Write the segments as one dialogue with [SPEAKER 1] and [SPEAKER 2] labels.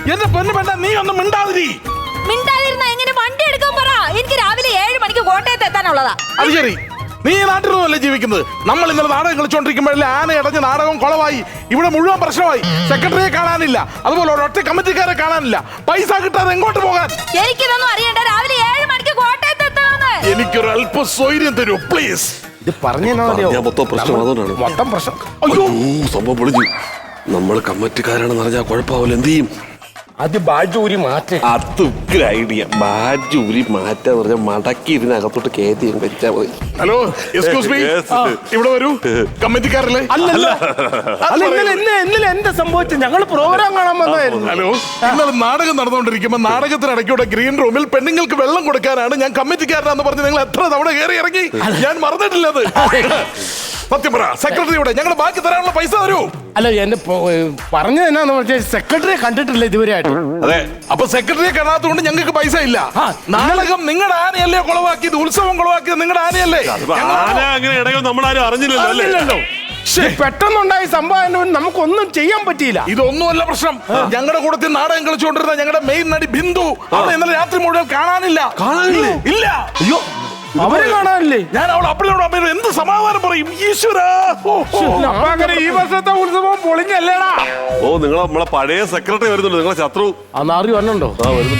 [SPEAKER 1] എന്റെ പൊന്നു വേണ്ട, നീ ഒന്നും മിണ്ടാതിരി.
[SPEAKER 2] മിണ്ടാതിരുന്ന എങ്ങനെ വണ്ടി എടുക്കാൻ പറ. എനിക്ക് രാവിലെ 7 മണിക്ക് കോട്ടയത്ത് എത്താനുള്ളതാ.
[SPEAKER 1] അത് ശരി, നീ ഈ നാട്ടിലൊന്നുമല്ലേ ജീവിക്കുന്നത്? നമ്മൾ ഇന്നലെ നാടകം കളിച്ചോണ്ടിരിക്കുമ്പോഴല്ലേ ആന അടഞ്ഞ് നാടകം കുളമായി. ഇവിടെ മുഴുവൻ പ്രശ്നമായി. സെക്രട്ടറിയെ കാണാനില്ല, അതുപോലെ ഒരൊറ്റ കമ്മിറ്റിക്കാരെ കാണാനില്ല. പൈസ കിട്ടാതെ എങ്ങോട്ട് പോകാൻ?
[SPEAKER 2] എനിക്കിതൊന്നും അറിയണ്ട. രാവിലെ 7 മണിക്ക് കോട്ടയത്ത് എത്തണമെന്ന്.
[SPEAKER 1] എനിക്കൊരു അല്പ സ്വൈര്യം തരൂ പ്ലീസ്.
[SPEAKER 3] ഇത് പറഞ്ഞു
[SPEAKER 4] മൊത്തം പ്രശ്നം അതുകൊണ്ടാണ്.
[SPEAKER 3] മൊത്തം പ്രശ്നം.
[SPEAKER 1] അയ്യോ,
[SPEAKER 4] സംഭവം പൊളിഞ്ഞു. നമ്മൾ കമ്മിറ്റിക്കാരാണെന്ന് പറഞ്ഞാൽ കുഴപ്പമാവില്ല. എന്ത് ചെയ്യും?
[SPEAKER 3] അത് ബാജൂരി മാറ്റേ.
[SPEAKER 4] അത് ഐഡിയ. ബാജൂരി മാറ്റാന്ന് പറഞ്ഞാൽ മടക്കി ഇതിനകത്തോട്ട് കയറ്റി വെച്ചാൽ മതി.
[SPEAKER 1] ഹലോ, എക്സ്ക്യൂസ് മീ, ഇവിടെ വരൂ. കമ്മിറ്റിക്കാരല്ലേ?
[SPEAKER 3] അല്ലല്ല, ഇന്നലെ എന്താ സംഭവിച്ചത്? ഞങ്ങൾ പ്രോഗ്രാം കാണാൻ വന്നായിരുന്നു.
[SPEAKER 1] ഹലോ, ഇന്നലെ നാടകം നടന്നുകൊണ്ടിരിക്കുമ്പോ നാടകത്തിനിടയ്ക്കൂടെ ഗ്രീൻ റൂമിൽ പെണ്ണുങ്ങൾക്ക് വെള്ളം കൊടുക്കാനാണ് ഞാൻ കമ്മിറ്റിക്കാരനാന്ന് പറഞ്ഞ് നിങ്ങൾ എത്ര തവണ കയറി ഇറങ്ങി. ഞാൻ മറന്നിട്ടില്ലത്. സത്യം പറ, സെക്രട്ടറിയോടെ ഞങ്ങൾ ബാക്കി തരാനുള്ള പൈസ തരൂ.
[SPEAKER 3] അല്ല, എന്നെ പറഞ്ഞത് എന്നാന്ന് വെച്ചാൽ സെക്രട്ടറിയെ കണ്ടിട്ടില്ല ഇതുവരെയായിട്ട്.
[SPEAKER 1] അതെ, അപ്പൊ സെക്രട്ടറിയെ കാണാത്തതുകൊണ്ട് ഞങ്ങൾക്ക് പൈസ ഇല്ല. നാടകം നിങ്ങളുടെ ആനയല്ലേ കുളവാക്കിയത്? ഉത്സവം കുളവാക്കിയത് നിങ്ങളുടെ ആനയല്ലേ?
[SPEAKER 4] ആന അങ്ങനെ ഇടയിൽ നമ്മളാരും അറിഞ്ഞില്ലല്ലോ.
[SPEAKER 3] പെട്ടെന്നുണ്ടായ സംഭവം നമുക്കൊന്നും ചെയ്യാൻ പറ്റിയില്ല.
[SPEAKER 1] ഇതൊന്നുമല്ല പ്രശ്നം. ഞങ്ങളുടെ കൂടത്തിൽ നാടകം കളിച്ചുകൊണ്ടിരുന്ന ഞങ്ങളുടെ മെയിൻ നടി ബിന്ദു അവളെ ഇന്നലെ രാത്രി മുഴുവൻ കാണാനില്ല. ഇല്ല.
[SPEAKER 3] അയ്യോ, അവരെ കാണാനില്ലേ?
[SPEAKER 1] ഞാൻ അവൾ അപ്പഴോട് അമ്മയോട് എന്ത് സമാധാനം പറയും? ഈശ്വരാ,
[SPEAKER 3] അങ്ങനെ ഈ വർഷത്തെ ഉത്സവം പൊളിഞ്ഞല്ലേടാ.
[SPEAKER 4] ഓ, നിങ്ങൾ നമ്മളെ പഴയ സെക്രട്ടറി വരുന്നുണ്ട്, നിങ്ങളെ ശത്രു.
[SPEAKER 3] ആ നാറി വരണുണ്ടോ?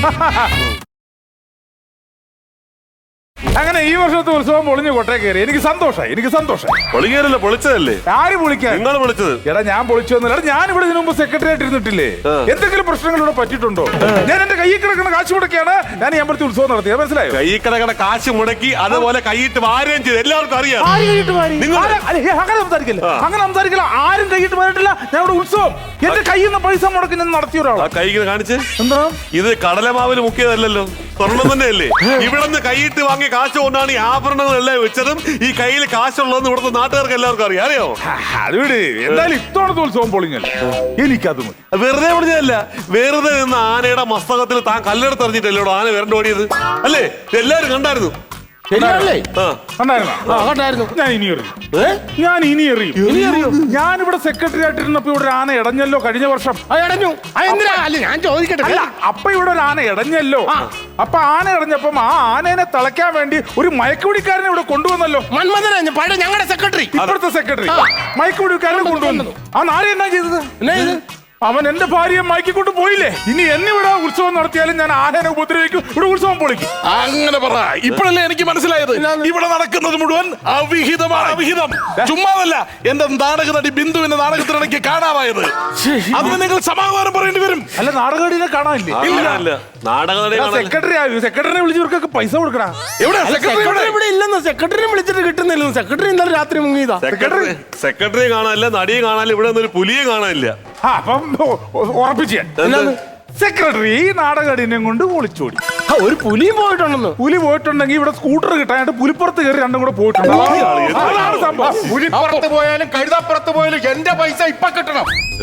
[SPEAKER 5] അങ്ങനെ ഈ വർഷത്തെ ഉത്സവം പൊളിഞ്ഞു കൊട്ടേ കയറി. എനിക്ക് സന്തോഷമായി.
[SPEAKER 4] പൊളിക്കാനല്ല, പൊളിച്ചതല്ലേ?
[SPEAKER 5] ആര് പൊളിക്കാൻ?
[SPEAKER 4] നിങ്ങൾ വിളിച്ചത്.
[SPEAKER 5] എടാ, ഞാൻ പൊളിച്ചൊന്നുമില്ല. ഞാൻ ഇവിടെ ഇതിനു മുമ്പ് സെക്രട്ടറി ആയിട്ട് ഇരുന്നിട്ടില്ലേ? എന്തെങ്കിലും പ്രശ്നങ്ങൾ ഇവിടെ പറ്റിയിട്ടുണ്ടോ? ഞാൻ എന്റെ കയ്യിൽ കിടക്കുന്ന കാശ് മുടക്കിയാണ് ഞാൻ ഈ അമ്പലത്തിൽ ഉത്സവം നടത്തിയത്. മനസ്സിലായോ?
[SPEAKER 4] കൈ കിടക്കണ കാശ് മുടക്കി അതുപോലെ കൈയിട്ട് വാരുകയും ചെയ്ത് എല്ലാവർക്കും അറിയാം.
[SPEAKER 5] അങ്ങനെ സംസാരിക്കില്ല. ആരും കൈയിട്ട് വന്നിട്ടില്ല. ഞാൻ ഇവിടെ ഉത്സവം എന്റെ കയ്യിൽ നിന്ന് പൈസ മുടക്കി ഞാൻ നടത്തിയ ഒരാളാ.
[SPEAKER 4] ആ കൈ കാണിച്ച്.
[SPEAKER 5] എന്താ
[SPEAKER 4] ഇത് കടലമാവിൽ മുക്കിയതല്ലല്ലോ, സ്വർണം തന്നെയല്ലേ? ഇവിടെ നിന്ന് കൈയിട്ട് വാങ്ങിയ കാശ് കൊണ്ടാണ് ഈ ആഭരണങ്ങളെല്ലാം വെച്ചതും ഈ കയ്യിൽ കാശുള്ളതെന്ന് ഇവിടുത്തെ നാട്ടുകാർക്ക് എല്ലാവർക്കും അറിയോ?
[SPEAKER 5] അതുകൊണ്ട് എന്തായാലും ഇത്തവണത്തെ ഉത്സവം പൊളിഞ്ഞല്ലേ, എനിക്കത് മതി.
[SPEAKER 4] വെറുതെ പൊളിഞ്ഞതല്ല, വെറുതെ നിന്ന് ആനയുടെ മസ്തകത്തിൽ താൻ കല്ലെടുത്ത് എറിഞ്ഞിട്ടല്ലോ ആന വരണ്ട ഓടിയത് അല്ലേ? എല്ലാരും കണ്ടായിരുന്നു.
[SPEAKER 5] ഞാൻ ഇനി എറിയും. ഞാനിവിടെ സെക്രട്ടറി ആയിട്ടിരുന്നപ്പോ ഇവിടെ ഒരു ആന ഇടഞ്ഞല്ലോ കഴിഞ്ഞ വർഷം.
[SPEAKER 3] ഞാൻ ചോദിക്കട്ടെ.
[SPEAKER 5] അല്ല, അപ്പൊ ഇവിടെ ഒരു ആന ഇടഞ്ഞല്ലോ. അപ്പൊ ആന ഇടഞ്ഞപ്പം ആ ആനേനെ തളയ്ക്കാൻ വേണ്ടി ഒരു മയക്കുപിടിക്കാരനെ ഇവിടെ കൊണ്ടുവന്നല്ലോ.
[SPEAKER 3] മന്മഥൻ പഴയ ഞങ്ങളുടെ സെക്രട്ടറി,
[SPEAKER 5] ഇപ്പോഴത്തെ സെക്രട്ടറി മയക്കുപിടിക്കാരനെ കൊണ്ടുവന്നു. ആ നാരി എന്നാ ചെയ്തത്? അവൻ എന്റെ ഭാര്യയെ മയക്കിക്കൊണ്ട് പോയില്ലേ. ഇനി എന്നിവിടെ ഉത്സവം നടത്തിയാലും ഞാൻ ആനേനെ ഉപദ്രവിക്കും, ഇവിടെ ഉത്സവം പൊളിക്കും.
[SPEAKER 1] അങ്ങനെ പറ. ഇപ്പോഴല്ലേ എനിക്ക് മനസ്സിലായത് ഇവിടെ നടക്കുന്നത് മുഴുവൻ അവിഹിതമാണ്. അവിഹിതം ചുമ്മാതല്ല. എന്റെ നാടക നടി ബിന്ദുവിന്റെ നാടകത്തിനിടയ്ക്ക് കാണാതായത്. അതിന് നിങ്ങൾ സമാധാനം പറയേണ്ടി വരും.
[SPEAKER 5] അല്ല, നാടകടിനെ കാണാനില്ലേ? സെക്രട്ടറിനെ വിളിച്ചവർക്കൊക്കെ പൈസ കൊടുക്കണ.
[SPEAKER 1] എവിടെ
[SPEAKER 3] ഇവിടെ ഇല്ലെന്ന് സെക്രട്ടറിനെ വിളിച്ചിട്ട് കിട്ടുന്നില്ല. സെക്രട്ടറി ഇന്നലെ രാത്രി മുങ്ങിയതാ.
[SPEAKER 4] സെക്രട്ടറി കാണാനില്ല, നടിയെ കാണാനില്ല, ഇവിടെ ഒരു പുലിയെ കാണാനില്ല.
[SPEAKER 5] അപ്പം ഉറപ്പിച്ച് സെക്രട്ടറി ഈ നാടകടിനെ കൊണ്ട് ഒളിച്ചോടി.
[SPEAKER 3] ഒരു പുലിയും പോയിട്ടുണ്ടെന്ന്.
[SPEAKER 5] പുലി പോയിട്ടുണ്ടെങ്കിൽ ഇവിടെ സ്കൂട്ടർ കിട്ടാനായിട്ട് പുലിപ്പുറത്ത് കയറി രണ്ടും കൂടെ പോയിട്ടുണ്ട്. അതാണ് സംഭവം.
[SPEAKER 3] പുലിപ്പുറത്ത് പോയാലും കഴുതപ്പുറത്ത് പോയാലും എന്റെ പൈസ ഇപ്പൊ കിട്ടണം.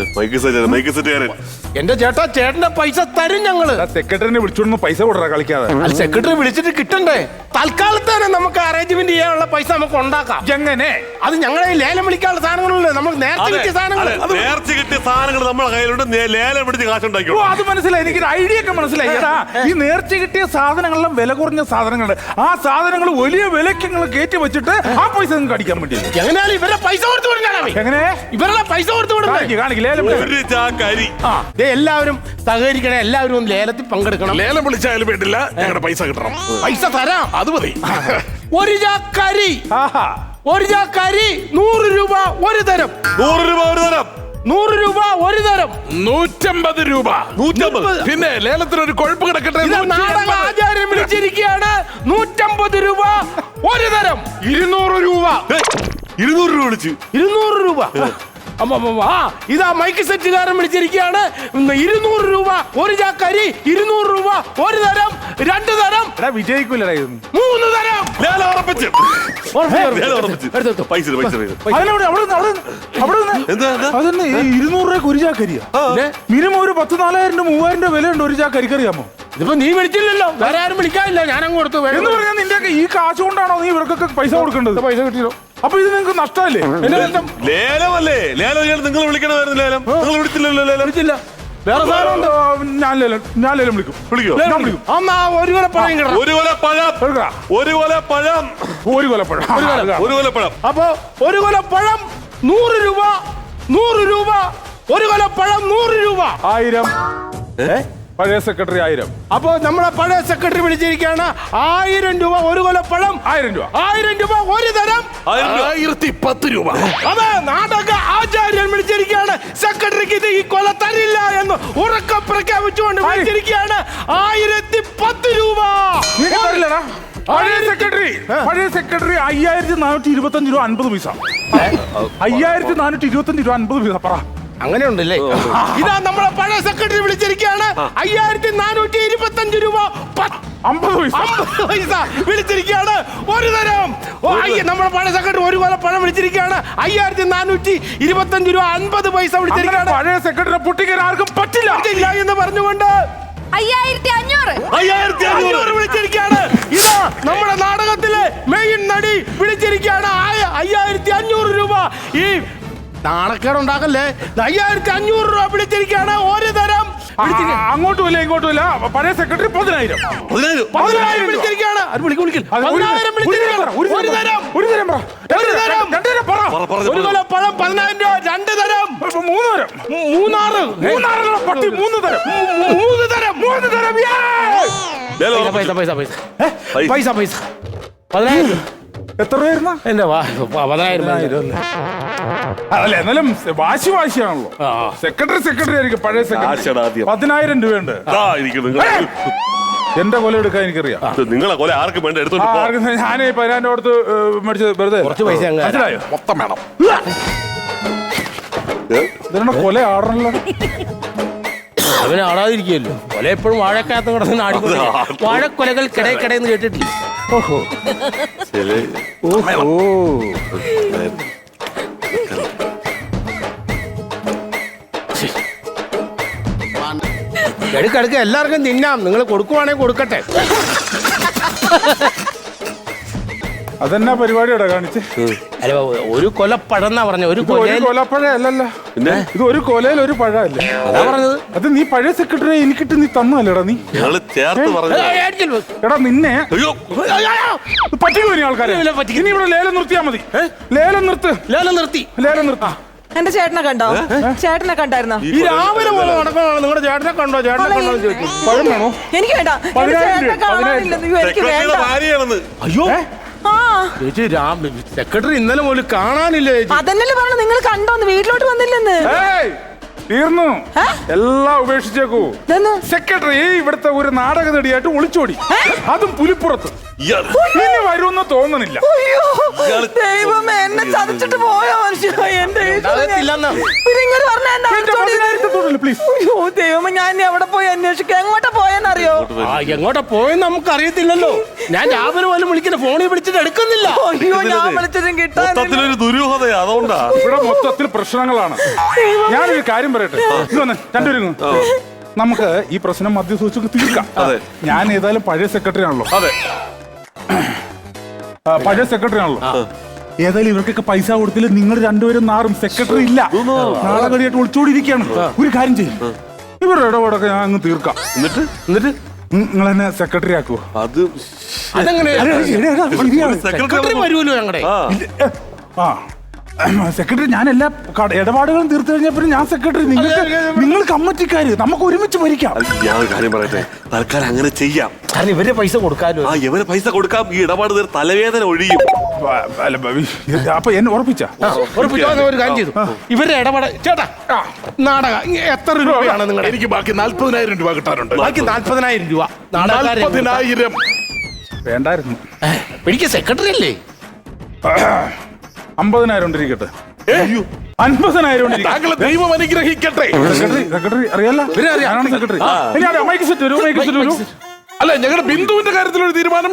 [SPEAKER 3] എന്റെ ചേട്ടാ, ചേട്ടന്റെ പൈസ തരും ഞങ്ങള്.
[SPEAKER 5] സെക്രട്ടറിനെ വിളിച്ചോണ്ട് പൈസ കൊടുക്കാ കളിക്കാതെ.
[SPEAKER 3] സെക്രട്ടറി വിളിച്ചിട്ട് കിട്ടണ്ടേ? തൽക്കാലത്തേനെ നമുക്ക് അറേഞ്ച്മെന്റ് ചെയ്യാനുള്ള പൈസ നമുക്ക് ഉണ്ടാക്കാം.
[SPEAKER 5] എങ്ങനെ?
[SPEAKER 3] അത് ഞങ്ങളെ ലേലം വിളിക്കാനുള്ള സാധനങ്ങളല്ലേ? നമുക്ക് നേരത്തെ കിട്ടിയ സാധനങ്ങൾ.
[SPEAKER 4] നേർച്ച കിട്ടിയ സാധനങ്ങൾ നമ്മളെ കയ്യിലുണ്ട്. ലേലം പിടിച്ച് കാശുണ്ടാക്കി.
[SPEAKER 5] അത് മനസ്സിലായി. എനിക്കൊരു ഐഡിയ ഒക്കെ മനസ്സിലായി. ഈ നേർച്ച കിട്ടിയ സാധനങ്ങളെല്ലാം വില കുറഞ്ഞ സാധനങ്ങളുണ്ട്. ആ സാധനങ്ങൾ വലിയ വിലക്ക് നിങ്ങൾ കയറ്റി വെച്ചിട്ട് ആ പൈസ നിങ്ങൾക്ക് അടിക്കാൻ പറ്റില്ല.
[SPEAKER 3] എങ്ങനെയാലും ഇവരുടെ പൈസ കൊടുത്തു വിടണം.
[SPEAKER 5] എങ്ങനെ?
[SPEAKER 3] ഇവരുടെ പൈസ കൊടുത്തു വിടണം.
[SPEAKER 4] ഒരു ചാക്കരി.
[SPEAKER 3] എല്ലാവരും സഹകരിക്കണം. എല്ലാവരും ഒന്ന് ലേലത്തിൽ പങ്കെടുക്കണം.
[SPEAKER 1] ലേലം വിളിച്ചാലും വേണ്ടില്ല, ഞങ്ങളുടെ പൈസ കിട്ടണം.
[SPEAKER 3] പൈസ തരാം.
[SPEAKER 1] അത് മതി.
[SPEAKER 3] ഒരു ചാക്കരി, ഒരു ചാക്കരി 100 രൂപ ഒരു തരം.
[SPEAKER 4] 100 രൂപ ഒരു തരം.
[SPEAKER 3] 100 രൂപ ഒരു തരം.
[SPEAKER 1] 150 രൂപ. 150. പിന്നെ ലേലത്തിന് ഒരു കൊഴുപ്പ് കിടക്കട്ടെ.
[SPEAKER 3] നാടക ആചാര്യം വിളിച്ചിരിക്കുകയാണ്. 150 രൂപ ഒരു തരം. 200 രൂപ.
[SPEAKER 4] 200 രൂപ വിളിച്ചു.
[SPEAKER 3] 200 രൂപ. ഇതാ മൈക്ക് സെറ്റുകാരൻ വിളിച്ചിരിക്കുകയാണ്. 200 രൂപ ഒരു ചാക്കരി. 200 രൂപ ഒരു തരം. 2 തരം.
[SPEAKER 5] വിജയിക്കൂല.
[SPEAKER 3] 3 തരം.
[SPEAKER 4] ലേലം ഉറപ്പിച്ചു. പൈസ
[SPEAKER 5] അതന്നെ 200 രൂപ ഒരു ചാക്കരിയാ. മിനിമം ഒരു 10,000-4,000 3,000 രൂപ വിലയുണ്ട് ഒരു ചാക്കരിക്കറിയാമോ?
[SPEAKER 3] ഇതിപ്പോ നീ വിളിച്ചില്ലല്ലോ, വേറെ ആരും വിളിക്കാനില്ല. ഞാനങ്ങ് കൊടുത്തു.
[SPEAKER 5] എന്ന് പറഞ്ഞാൽ നിന്റെ ഈ കാശ് കൊണ്ടാണോ നീ ഇവർക്കൊക്കെ പൈസ കൊടുക്കേണ്ടത്?
[SPEAKER 3] പൈസ കിട്ടിയോ?
[SPEAKER 5] അപ്പൊ ഇത് നിങ്ങൾക്ക് നഷ്ടമല്ലേ?
[SPEAKER 4] ലേലമല്ലേ? ലേലം നിങ്ങൾ വിളിക്കണമായിരുന്നു. ലേലം നിങ്ങൾ വിളിച്ചില്ലല്ലോ.
[SPEAKER 5] വിളിച്ചില്ല.
[SPEAKER 3] വേറെ സാധനം ഉണ്ട്.
[SPEAKER 5] ഞാൻ ലേലം വിളിക്കും.
[SPEAKER 4] വിളിക്കോ?
[SPEAKER 5] ഞാൻ വിളിക്കും.
[SPEAKER 3] അന്നാ ഒരു കൊല പഴം കിടണം.
[SPEAKER 4] ഒരു കൊല പഴം.
[SPEAKER 5] എടുക്കടാ.
[SPEAKER 4] ഒരു കൊല പഴം.
[SPEAKER 5] ഒരു കൊലപ്പഴം.
[SPEAKER 4] ഒരു കൊല പഴം.
[SPEAKER 3] അപ്പൊ ഒരു കൊല പഴം 100 രൂപ. 100 രൂപ. ഒരു കൊല പഴം 100 രൂപ.
[SPEAKER 5] 1000. പഴയ സെക്രട്ടറി 1000.
[SPEAKER 3] അപ്പൊ നമ്മളെ പഴയ സെക്രട്ടറി വിളിച്ചിരിക്കുകയാണ്. 1000 രൂപ ഒരു കൊല പഴം.
[SPEAKER 5] 1000 രൂപ.
[SPEAKER 3] 1000 രൂപ ഒരു തരം.
[SPEAKER 1] 1010 രൂപ.
[SPEAKER 3] അതെ, നാടക ആചാര്യൻ വിളിച്ചിരിക്കുകയാണ്. സെക്രട്ടറിക്ക് ഇത് ഈ കൊല തരില്ല എന്ന് ഉറക്കം പ്രഖ്യാപിച്ചുകൊണ്ട് വിളിച്ചിരിക്കുകയാണ്. 1010 രൂപ.
[SPEAKER 5] നീ തരില്ലടാ. പഴയ സെക്രട്ടറി 5425 രൂപ 50 പൈസ. 5425 രൂപ 50 പൈസ. പറ.
[SPEAKER 3] അങ്ങനെ ഉണ്ടല്ലേ? ഇതാ നമ്മളെ പഴയ സെക്രട്ടറി വിളിച്ചിരിക്കുകയാണ്. 5425 രൂപ
[SPEAKER 5] 50
[SPEAKER 3] പൈസ വിളിച്ചിരിക്കുകയാണ്. ഒരു തരം. നമ്മുടെ പഴയ സെക്രട്ടറി ഒരു കൊല പഴം വിളിച്ചിരിക്കുകയാണ്. 5425 രൂപ 50 പൈസ വിളിച്ചിരിക്കുകയാണ്.
[SPEAKER 5] പഴയ സെക്രട്ടറി പൊട്ടിക്കാൻ ആർക്കും പറ്റില്ല
[SPEAKER 3] എന്ന് പറഞ്ഞുകൊണ്ട്
[SPEAKER 2] 5500
[SPEAKER 3] വിളിച്ചിരിക്കുകയാണ്. ഇതാ നമ്മുടെ നാടകത്തിലെ മെയിൻ നടി വിളിച്ചിരിക്കുകയാണ്. 5500 രൂപ. ഈ നാണക്കേടുണ്ടാക്കല്ലേ. 5500 രൂപ വിളിച്ചിരിക്കുകയാണ്. ഒരു തരം.
[SPEAKER 5] അങ്ങോട്ടുമില്ല ഇങ്ങോട്ടുമില്ല. പഴയ സെക്രട്ടറി 10000.
[SPEAKER 3] 10,000 വിളിച്ചിരിക്കുകയാണ്. അത് വിളിക്കും. 10,000 വിളിച്ചിരിക്കുകയാണ്. ഒരു തരം.
[SPEAKER 5] ഒരു തരം പറ.
[SPEAKER 3] ഒരു തരം.
[SPEAKER 5] രണ്ട് തരം പറ.
[SPEAKER 3] ഒരു കൊല പഴം 10,000 രൂപ. 2 തരം.
[SPEAKER 5] 3 തരം. 3 പട്ടി 3 തരം.
[SPEAKER 3] 3 തരം.
[SPEAKER 5] 3 തരം.
[SPEAKER 3] പൈസ 10,000.
[SPEAKER 5] എത്ര രൂപ?
[SPEAKER 3] എന്റെ 10,000.
[SPEAKER 5] അല്ല എന്നാലും വാശിയാണല്ലോ. സെക്രട്ടറി ആയിരിക്കും. പഴയ സെക്രട്ടറി 10,000 രൂപയുണ്ട്. എന്റെ കൊല എടുക്കാൻ എനിക്കറിയാം.
[SPEAKER 4] നിങ്ങളെ കൊല ആർക്കും വേണ്ട എടുത്തോണ്ട് പോ.
[SPEAKER 5] ഞാനേ 10,000 കൊടുത്ത് മേടിച്ചത് വെറുതെ.
[SPEAKER 3] കുറച്ച് പൈസ
[SPEAKER 5] മനസ്സിലായോ?
[SPEAKER 1] മൊത്തം വേണം.
[SPEAKER 5] ഇതിനെ കൊല ആടണല്ലോ.
[SPEAKER 3] അവന് ആടാതിരിക്കുമല്ലോ. കൊല എപ്പോഴും വാഴക്കകത്ത് കിടന്ന് ആടിക്കൊണ്ട് വാഴക്കൊലകൾ കിടന്ന് കേട്ടിട്ടില്ല. ഓഹോ. എടുക്കെടുക്ക എല്ലാവർക്കും തിന്നാം. നിങ്ങൾ കൊടുക്കുവാണെങ്കിൽ കൊടുക്കട്ടെ.
[SPEAKER 5] അതെന്നാ പരിപാടിയോടെ കാണിച്ച്?
[SPEAKER 3] അല്ല, ഒരു കൊല പഴന്നാ പറഞ്ഞ. ഒരു
[SPEAKER 5] കൊലപ്പഴ അല്ലല്ലോ. ഇത് ഒരു കൊലയിൽ ഒരു പഴല്ലേ
[SPEAKER 3] അതാ പറഞ്ഞത്.
[SPEAKER 5] അത് നീ പഴയ സെക്രട്ടറി എനിക്കിട്ട് നീ തന്നല്ലേടാ. നീ
[SPEAKER 4] ചേർത്ത് പറഞ്ഞു.
[SPEAKER 5] എടാ നിന്നെ
[SPEAKER 4] അയ്യോ
[SPEAKER 5] പറ്റിക്കോ ഇനി ആൾക്കാരെ. ഇനി ഇവിടെ ലേലം നിർത്തിയാ മതി. ലേലം നിർത്തി.
[SPEAKER 3] ലേലം നിർത്തി.
[SPEAKER 2] എന്റെ ചേട്ടനെ കണ്ടോ? ചേട്ടനെ കണ്ടായിരുന്നോ?
[SPEAKER 3] ഈ രാവിലെ പോലെ നടക്കണോ? നിങ്ങളുടെ ചേട്ടനെ കണ്ടോ? ചേട്ടനെ കണ്ടോ ചോദിച്ചു.
[SPEAKER 5] പഴം വേണോ?
[SPEAKER 2] എനിക്ക് വേണ്ട. എന്റെ ചേട്ടനെ കാണാനില്ലെന്ന്. എനിക്ക് വേണ്ട.
[SPEAKER 4] ഭാര്യയാണെന്ന്.
[SPEAKER 3] അയ്യോ
[SPEAKER 2] ആ
[SPEAKER 3] ചേച്ചി, സെക്രട്ടറി ഇന്നലെ പോലും കാണാനില്ല ചേച്ചി.
[SPEAKER 2] അതന്നല്ലേ പറഞ്ഞു. നിങ്ങൾ കണ്ടോന്ന്? വീട്ടിലോട്ട് വന്നില്ലെന്ന്.
[SPEAKER 5] തീർന്നു. എല്ലാം ഉപേക്ഷിച്ചേക്കൂ.
[SPEAKER 2] ഇതെന്ന്?
[SPEAKER 5] സെക്രട്ടറി ഇവിടുത്തെ ഒരു നാടക നടിയായിട്ട് ഒളിച്ചോടി. അതും പുലിപ്പുറത്ത്. ഇനി വരുമെന്ന് തോന്നണില്ല.
[SPEAKER 2] അയ്യോ, ദൈവമേ, എന്നെ ചതച്ചിട്ട് പോയോ മനുഷ്യ. എന്റെ
[SPEAKER 5] പ്ലീസ്.
[SPEAKER 2] അയ്യോ ദൈവമേ, ഞാൻ ഇനി എവിടെ പോയി അന്വേഷിക്കാം? എങ്ങോട്ടാ പോയെന്നറിയോ?
[SPEAKER 3] എങ്ങോട്ടാ പോയെന്ന് നമുക്ക് അറിയത്തില്ലല്ലോ. ഞാൻ രാവിലെ പോലും വിളിക്കുന്ന ഫോണിൽ വിളിച്ചിട്ട് എടുക്കുന്നില്ല.
[SPEAKER 2] അയ്യോ, ഞാൻ വിളിച്ചതും കിട്ടാൻ.
[SPEAKER 4] മൊത്തത്തിലൊരു ദുരൂഹതയാ. അതുകൊണ്ടാ
[SPEAKER 5] ഇവിടെ മൊത്തത്തിൽ പ്രശ്നങ്ങളാണ്. ഞാനൊരു കാര്യം പറയട്ടെ. രണ്ടുപേരും നമുക്ക് ഈ പ്രശ്നം മധ്യസൂചിച്ച് തീർക്കാം. ഞാൻ ഏതായാലും പഴയ സെക്രട്ടറി ആണല്ലോ. ഏതായാലും ഇവർക്കൊക്കെ പൈസ കൊടുത്തില്ല. നിങ്ങൾ രണ്ടുപേരും നാറും. സെക്രട്ടറി ഇല്ല, നാളെ ഒളിച്ചോടിയിരിക്കുകയാണ്. ഒരു കാര്യം ചെയ്യും, ഇവരുടെ ഇടപാടൊക്കെ ഞാൻ അങ്ങ് തീർക്കാം. എന്നിട്ട് നിങ്ങൾ എന്നെ സെക്രട്ടറി ആക്കുവോ?
[SPEAKER 4] അത്
[SPEAKER 3] സെക്രട്ടറി വരുമല്ലോ ഞങ്ങളുടെ.
[SPEAKER 5] ആ സെക്രട്ടറി, ഞാൻ എല്ലാ ഇടപാടുകളും തീർത്തു കഴിഞ്ഞപ്പോൾ ഞാൻ സെക്രട്ടറി. നിങ്ങൾ കമ്മിറ്റിക്കാര്, നമുക്ക് ഒരുമിച്ച് ഭരിക്കാം.
[SPEAKER 4] ഞാൻ ഒരു കാര്യം പറയട്ടെ, തൽക്കാലം അങ്ങനെ ചെയ്യാം.
[SPEAKER 3] കാരണം ഇവരെ പൈസ കൊടുക്കാമല്ലോ.
[SPEAKER 4] ഇവരെ പൈസ കൊടുക്കാം. ഈ ഇടപാട് തലവേദന ഒഴിയും.
[SPEAKER 5] അപ്പൊ എന്നെ ഉറപ്പിച്ച
[SPEAKER 3] ഒരു കാര്യം ചെയ്തു. ഇവരുടെ ഇടപാട് ചേട്ടാ, നാടകം എത്ര രൂപയാണ് നിങ്ങളുടെ?
[SPEAKER 1] എനിക്ക് ബാക്കി 40,000 രൂപ കിട്ടാനുണ്ട്.
[SPEAKER 3] ബാക്കി 40,000 രൂപ.
[SPEAKER 1] 40,000
[SPEAKER 5] വേണ്ടായിരുന്നു.
[SPEAKER 3] എനിക്ക് സെക്രട്ടറി അല്ലേ?
[SPEAKER 5] 50,000 ഇരിക്കട്ടെ. 50,000
[SPEAKER 1] താങ്കൾ ദൈവം അനുഗ്രഹിക്കട്ടെ.
[SPEAKER 5] സെക്രട്ടറി അറിയാലോ. സെക്രട്ടറി
[SPEAKER 1] അല്ല, ഞങ്ങളുടെ ബിന്ദുവിന്റെ കാര്യത്തിൽ ഒരു തീരുമാനം.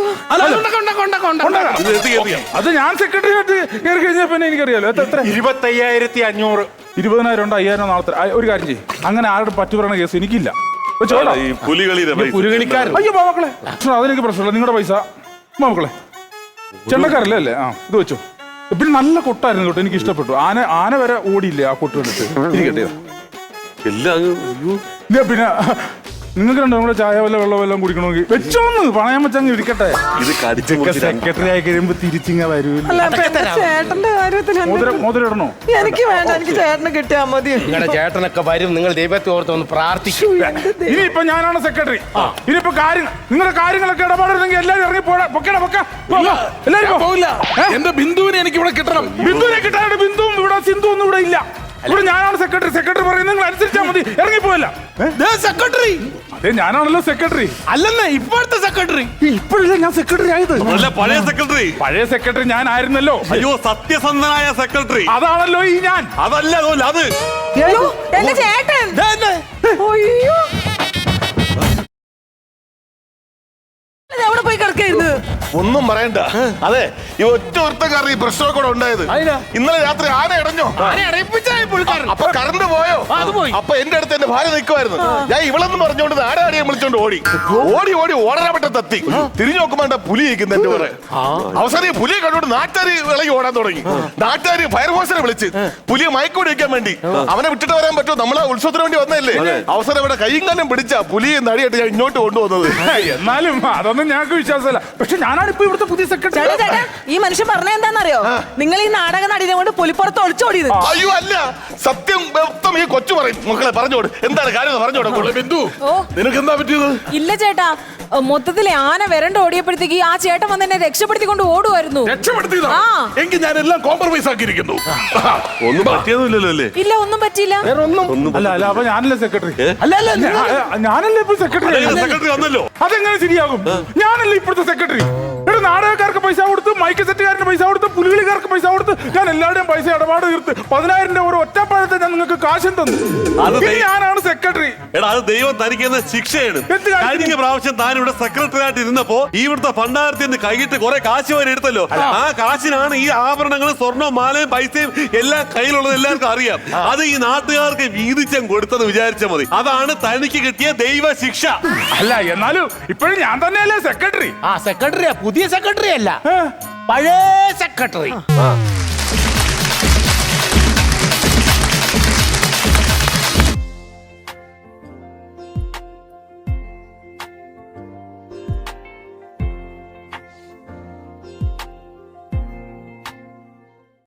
[SPEAKER 5] അത് ഞാൻ സെക്രട്ടറി ആയിട്ട് കയറി കഴിഞ്ഞാൽ പിന്നെ എനിക്കറിയാലോ. എത്ര?
[SPEAKER 4] 25,500.
[SPEAKER 5] 20,000 ഉണ്ട്. 5,000 നാളത്തെ. ഒരു കാര്യം ചെയ്യും, അങ്ങനെ ആരുടെ പറ്റു പറയുന്ന കേസ് എനിക്കില്ല.
[SPEAKER 4] പുലികളിക്കാരൻ.
[SPEAKER 5] അയ്യോ മക്കളെ, അതെനിക്ക് പ്രശ്നമില്ല. നിങ്ങളുടെ പൈസ മക്കളെ ചെണ്ടക്കാരല്ലേ അല്ലേ? ഇത് വെച്ചോ. പിന്നെ നല്ല കൊട്ടായിരുന്നു കേട്ടോ, എനിക്ക് ഇഷ്ടപ്പെട്ടു. ആന വരെ ഓടിയില്ലേ ആ കൊട്ട് കണ്ടിട്ട്. ഇരിക്കട്ടെ.
[SPEAKER 4] എല്ലാം അയ്യോ.
[SPEAKER 5] ഇല്ല, പിന്നെ നിങ്ങൾക്ക് രണ്ടും കൂടെ ചായ വല്ല വെള്ളം കുടിക്കണമെങ്കിൽ വെച്ചോന്ന് പണയം വെച്ചങ്ങ് ഇരിക്കട്ടെ.
[SPEAKER 4] ഇത് കടിച്ചു
[SPEAKER 5] സെക്രട്ടറി ആയി കഴിയുമ്പോ തിരിച്ചിങ്ങ വരൂല്ല.
[SPEAKER 6] അല്ല, അപ്പൊ എന്റെ ചേട്ടന്റെ കാര്യത്തിൽ
[SPEAKER 5] മോതിരം ഇടണോ?
[SPEAKER 6] എനിക്ക് വേണ്ട, എനിക്ക് ചേട്ടന് കിട്ടിയാ മതി.
[SPEAKER 3] നിങ്ങളുടെ ചേട്ടനൊക്കെ വരും, നിങ്ങൾ ദൈവത്തെ ഓർത്തൊന്ന് പ്രാർത്ഥിക്കും.
[SPEAKER 5] ഇനിയിപ്പോ ഞാനാണ് സെക്രട്ടറി. ഇനിയിപ്പോ നിങ്ങളുടെ കാര്യങ്ങളൊക്കെ ഇടപാടില്ലെങ്കിൽ എല്ലാരും ഇറങ്ങി എല്ലാരും
[SPEAKER 1] പോവില്ല. എന്റെ ബിന്ദുവിനെ എനിക്ക് ഇവിടെ കിട്ടണം.
[SPEAKER 5] ബിന്ദുവിനെ കിട്ടാനായിട്ട് ബിന്ദുവും ഇവിടെ സിന്ധു ഒന്നും ഇവിടെ ഇല്ല. ഇവിടെ ഞാനാണ് സെക്രട്ടറി. സെക്രട്ടറി പറയുന്നത് നിങ്ങൾ അനുസരിച്ചാൽ മതി. ഇറങ്ങിപ്പോയല്ല.
[SPEAKER 3] സെക്രട്ടറി
[SPEAKER 5] അതെ, ഞാനാണല്ലോ സെക്രട്ടറി.
[SPEAKER 3] അല്ലെന്നേ ഇപ്പോഴത്തെ സെക്രട്ടറി.
[SPEAKER 5] ഇപ്പോഴല്ലേ ഞാൻ സെക്രട്ടറി ആയത്?
[SPEAKER 4] അല്ല, പഴയ സെക്രട്ടറി.
[SPEAKER 5] പഴയ സെക്രട്ടറി ഞാൻ ആയിരുന്നല്ലോ.
[SPEAKER 4] അയ്യോ, സത്യസന്ധനായ സെക്രട്ടറി.
[SPEAKER 5] അതാണല്ലോ ഈ ഞാൻ.
[SPEAKER 4] അതല്ല അത്
[SPEAKER 6] അയ്യോ, എന്റെ ചേട്ടൻ. അയ്യോ, എവിടെ പോയി കിടക്കായിരുന്നു?
[SPEAKER 7] ഒന്നും പറയണ്ട. അതെ, ഈ ഒറ്റ ഒരുത്തക്കാരൻ ഈ പ്രശ്നമൊക്കെ കൂടെ ഉണ്ടായത്. ഇന്നലെ രാത്രി ആന ഇടഞ്ഞോ? അപ്പൊ കറണ്ട് പോയോ? അപ്പൊ എന്റെ അടുത്ത് എന്റെ ഭാര്യ നിൽക്കുമായിരുന്നു. ഞാൻ ഇവളെന്ന് പറഞ്ഞോണ്ട് ആരാടിയെ വിളിച്ചോണ്ട് ഓടി ഓടാൻ പറ്റത്തെത്തി. തിരിഞ്ഞു നോക്കുമ്പോ എന്റെ പുലി ഇരിക്കുന്നു എന്റെ കൂടെ. അവസാനം ഈ പുലിയെ കണ്ടോണ്ട് നാട്ടുകാര് വിളകി ഓടാൻ തുടങ്ങി. നാട്ടുകാര് ഫയർഫോഴ്സിനെ വിളിച്ച് പുലിയെ മയക്കൂടി വെക്കാൻ വേണ്ടി. അവനെ വിട്ടിട്ട് വരാൻ പറ്റുമോ? നമ്മളെ ഉത്സവത്തിന് വേണ്ടി വന്നതല്ലേ. അവസാനം ഇവിടെ കൈയും കാലം പിടിച്ച പുലിയെ നടിയായിട്ട് ഞാൻ ഇങ്ങോട്ട് കൊണ്ടുവന്നത്.
[SPEAKER 5] എന്നാലും അതൊന്നും ഞങ്ങൾക്ക് വിശ്വാസമല്ല. പക്ഷെ ഞാനാണ് ഇപ്പൊ ഇവിടുത്തെ പുതിയ സെക്രട്ടറി.
[SPEAKER 6] ചേട്ടാ, ഈ മനുഷ്യൻ പറഞ്ഞ എന്താണെന്നറിയോ? നിങ്ങൾ ഈ നാടക നടിനെ കൊണ്ട് പുലിപ്പുറത്ത് ഒളിച്ചോടിയത്.
[SPEAKER 7] അയ്യോ, അല്ല, സത്യം വ്യക്തം ഈ കൊച്ചു പറയും. മക്കളെ പറഞ്ഞോട്, എന്താണ് കാര്യം പറഞ്ഞോട്.
[SPEAKER 1] ബിന്ദു,
[SPEAKER 2] ഓ.
[SPEAKER 1] നിനക്ക് എന്താ പറ്റിയത്?
[SPEAKER 2] ഇല്ല ചേട്ടാ, മൊത്തത്തില് ആന വരണ്ട് ഓടിയപ്പോഴത്തേക്ക് ആ ചേട്ടൻ വന്ന് എന്നെ രക്ഷപ്പെടുത്തിക്കൊണ്ട് ഓടുമായിരുന്നു.
[SPEAKER 1] രക്ഷപ്പെടുത്തിയതാ?
[SPEAKER 2] ആ.
[SPEAKER 1] എങ്കിൽ ഞാൻ എല്ലാം കോംപ്രമൈസ് ആക്കിയിരിക്കുന്നു.
[SPEAKER 4] ഒന്നും പറ്റിയതൊന്നുമില്ലല്ലോ അല്ലേ?
[SPEAKER 2] ഇല്ല, ഒന്നും പറ്റിയില്ല.
[SPEAKER 5] അല്ല അപ്പൊ ഞാനല്ലേ സെക്രട്ടറി? ഞാനല്ലേ ഇപ്പൊ സെക്രട്ടറി?
[SPEAKER 4] സെക്രട്ടറി വന്നല്ലോ.
[SPEAKER 5] അതെങ്ങനെ ശരിയാകും? ഞാനല്ലേ ഇപ്പോഴത്തെ സെക്രട്ടറി. ഇവിടെ നാടകക്കാർക്ക് പൈസ കൊടുത്ത്, മൈക്ക് സെറ്റുകാരന് പൈസ കൊടുത്ത്, പുലികളിക്കാർക്ക് പൈസ കൊടുത്ത്, ഞാൻ എല്ലാവരുടെയും പൈസ ഇടപാട് തീർത്ത് 10,000 രൂപ ഒരു ഒറ്റപ്പാഴത്തെ ഞാൻ നിങ്ങൾക്ക് കാശും തന്നു. ഞാനാണ് സെക്രട്ടറി.
[SPEAKER 4] എടാ, അത് ദൈവം തനിക്കുന്ന ശിക്ഷയാണ്.
[SPEAKER 5] എന്ത് കാര്യം?
[SPEAKER 4] കഴിഞ്ഞ പ്രാവശ്യം താൻ ഇവിടെ സെക്രട്ടറി ആയിട്ട് ഇരുന്നപ്പോ ഇവിടുത്തെ ഭണ്ഡാരത്തിൽ നിന്ന് കൈയിട്ട് കുറെ കാശ് വരെ എടുത്തല്ലോ. ആ കാശിനാണ് ഈ ആഭരണങ്ങളും സ്വർണവും മാലയും പൈസയും എല്ലാം കയ്യിലുള്ളത് എല്ലാവർക്കും അറിയാം. അത് ഈ നാട്ടുകാർക്ക് വീതിച്ചം കൊടുത്തെന്ന് വിചാരിച്ചാൽ മതി. അതാണ് തനിക്ക് കിട്ടിയ ദൈവ ശിക്ഷ.
[SPEAKER 5] അല്ല, എന്നാലും ഇപ്പോഴും ഞാൻ തന്നെയല്ലേ സെക്രട്ടറി.
[SPEAKER 3] സെക്രട്ടറിയാ, പുതിയ സെക്രട്ടറി അല്ല, പഴയ സെക്രട്ടറി.